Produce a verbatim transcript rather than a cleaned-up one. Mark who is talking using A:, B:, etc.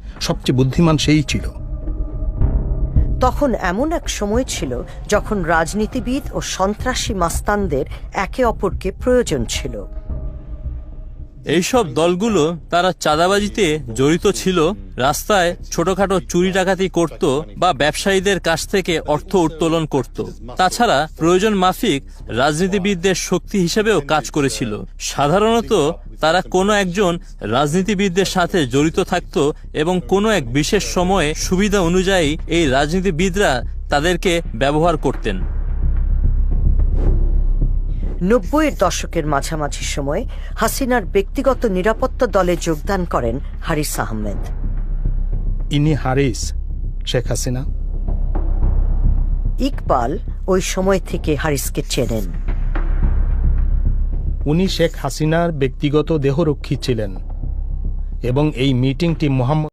A: সবচেয়ে বুদ্ধিমান সেই ছিল।
B: তখন এমন এক সময় ছিল যখন রাজনীতিবিদ ও সন্ত্রাসী মাস্তানদের একে অপরকে প্রয়োজন ছিল।
C: এইসব দলগুলো তারা চাঁদাবাজিতে জড়িত ছিল, রাস্তায় ছোটখাটো চুরি ডাকাতি করত বা ব্যবসায়ীদের কাছ থেকে অর্থ উত্তোলন করত। তাছাড়া প্রয়োজন মাফিক রাজনীতিবিদদের শক্তি হিসেবেও কাজ করেছিল। সাধারণত তারা কোনো একজন রাজনীতিবিদদের সাথে জড়িত থাকত এবং কোনো এক বিশেষ সময়ে সুবিধা অনুযায়ী এই রাজনীতিবিদরা তাদেরকে ব্যবহার করতেন।
B: নব্বইয়ের দশকের মাঝামাঝি সময়ে হাসিনার ব্যক্তিগত নিরাপত্তা দলে যোগদান করেন হারিস আহমেদ।
A: ইনি হারিস, শেখ হাসিনা।
B: ইকবাল ওই সময় থেকে হারিসকে চেনেন।
A: উনি শেখ হাসিনার ব্যক্তিগত দেহরক্ষী ছিলেন এবং এই মিটিংটি মোহাম্মদ